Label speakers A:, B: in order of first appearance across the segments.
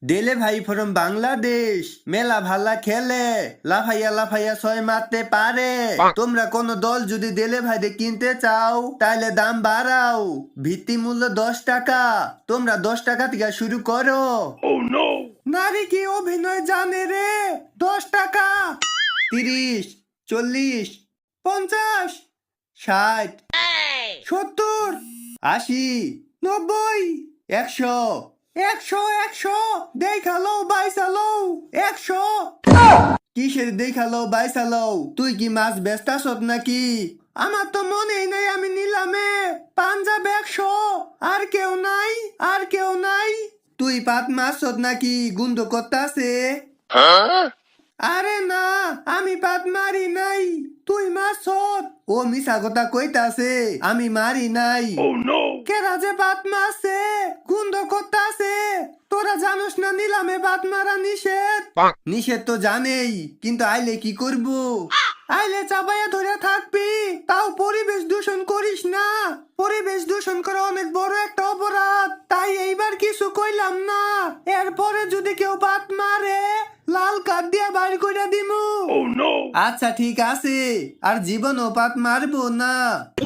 A: দেলে ভাই ফ্রম বাংলাদেশ মেলা ভালা খেলে লাফাইয়া লাফাইয়া ছয় মারতে পারে। তোমরা কোন দল যদি দেলে ভাইদের কিনতে চাও তাহলে দাম বাড়াও। ভিত্তি মূল্য 10 টাকা। তোমরা 10 টাকা থেকে শুরু করো। নারী কি অভিনয় জানে রে? 10 টাকা, 30, 40, 50, 60, 70, 80, 90, 100, 100, 100 দেখালো বাইসালো 100। কিসের দেখালো বাইসালো? তুই কি মাছ বেচতাছত নাকি? আমার তো মনেই নাই আমি নিলামে পাঞ্জাব 100। আর কেউ নাই, আর কেউ নাই। তুই পাত মাছত নাকি? গুন্দ করতাছে। আরে না, আমি পাত মারি নাই। তুই মাছত। ও মিছা কথা কইতাছে, আমি মারি নাই। কেরা যে পাত মারছে, গুন্দ করতাছে। তোরা জানোস না নিলামে পাত মারা নিষেধ? নিষেধ তো জানেই, কিন্তু আইলে কি করব? আইলে চাপাইয়া ধরে থাকবি। তাও পরিবেশ দূষণ করিস না। পরিবেশ দূষণ করা অনেক বড় একটা অপরাধ। তাই এইবার কিছু কইলাম না। এরপরে যদি কেউ পাত মারে লাল কার্ড দিয়া বাইর কইরা দিমু। আচ্ছা ঠিক আছে, আর জীবনও পাত মারবো না।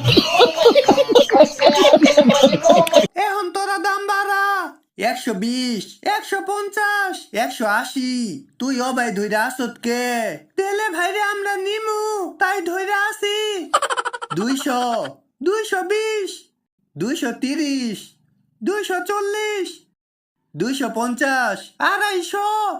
A: এখন তোরা দাম বাড়া। 120, 150, 180। তুই অবাই ধইরা আসত কে? তেলে ভাইরে আমরা নিমু তাই ধইরা আসি। 200, 220, 230, 240, 250, 250।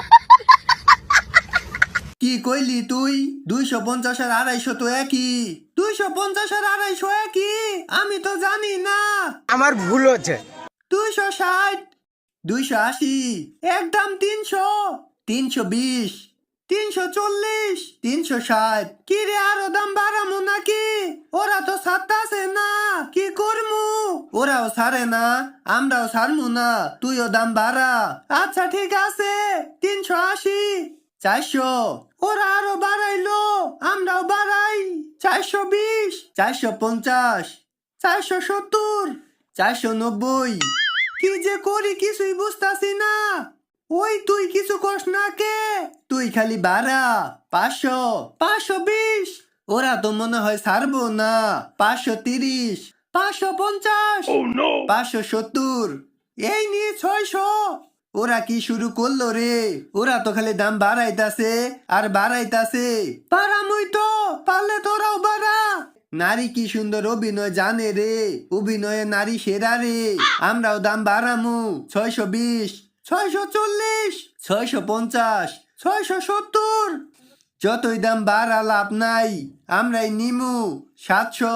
A: কি কইলি তুই? 250 আর 250 তো একই। 250 আর 250 একই? আমি তো জানি না।
B: আমার ভুল হচ্ছে।
A: 260, 280, একদম 300, 320, 340, 360। কি রে আরো দাম বাড়ামু নাকি? ওরা তো ছাড়তাছে না, কি করমু? ওরাও ছাড়ে না, আমরাও ছাড়মু না। তুইও দাম বাড়া। আচ্ছা ঠিক আছে, 380, 400। ওরা আরো বাড়াইলো, আমরাও বাড়াই। 420, 450, 470, 490। কি যে করি কিছুই বুঝতাছি না। ওই তুই কিছু কস না কে? তুই খালি বাড়া। 500, 520। ওরা তো মনে হয় ছাড়বো না। 530, 550, 570। এই নিয়ে 600। ওরা কি শুরু করলো রে? ওরা তো খালি দাম বাড়াইতাছে আর বাড়াইতাছে। পারামুই তো, পারলে তোরাও বাড়া। নারী কি সুন্দর অভিনয় জানে রে। অভিনয়ে নারী সেরা রে। আমরাও দাম বাড়ামু। 620, 640, 650, 670। যতই দাম বাড়া লাভ নাই, আমরাই নিমু 700,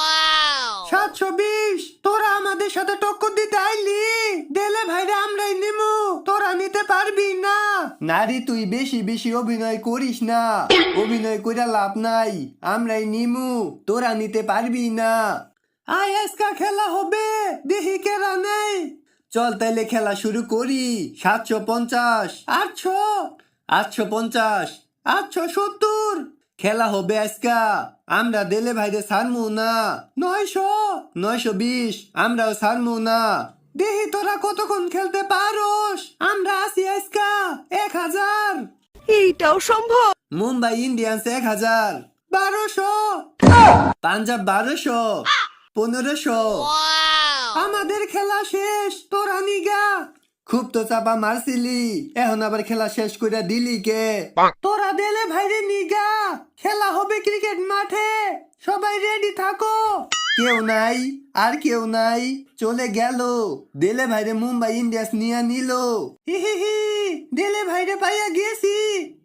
A: 720। তোরা আমাদের সাথে টক্কর দিতে আইলি? দেলে ভাইরা আমরাই নিমু, তোরা নিতে পারবি না। নারী তুই বেশি বেশি অভিনয় করিস না। অভিনয় কইরা লাভ নাই, আমরাই নিমু, তোরা নিতে পারবি না। আয় আজকা খেলা হবে, দেখি কেরা নেই। চল তাইলে খেলা শুরু করি। 750, 800, 850, 870। খেলা হবে আজকা। আমরা দেলে ভাইরে ছাড়মু না। 900, 920। আমরাও ছাড়মু না। দেখি তোরা কতক্ষণ খেলতে পারোস। আমরা আছি আজকা 1000।
C: এইটাও সম্ভব?
A: মুম্বাই ইন্ডিয়ান্স 1000, 1200, পাঞ্জাব 1200, 1500। আমাদের খেলা শেষ, তোরা নিগা। খুব তো চাপা মারছিলি, এখন আবার খেলা শেষ কইরা দিলি কে? তোরা দেলে ভাইরে নিগা। খেলা হবে ক্রিকেট মাঠে, সবাই রেডি থাকো। কেউ নাই, আর কেউ নাই, চলে গেল। দেলে ভাইরে মুম্বাই ইন্ডিয়ান্স নিয়ে নিল। হি হি হি, দেলে ভাইরে পাইয়া গেছি।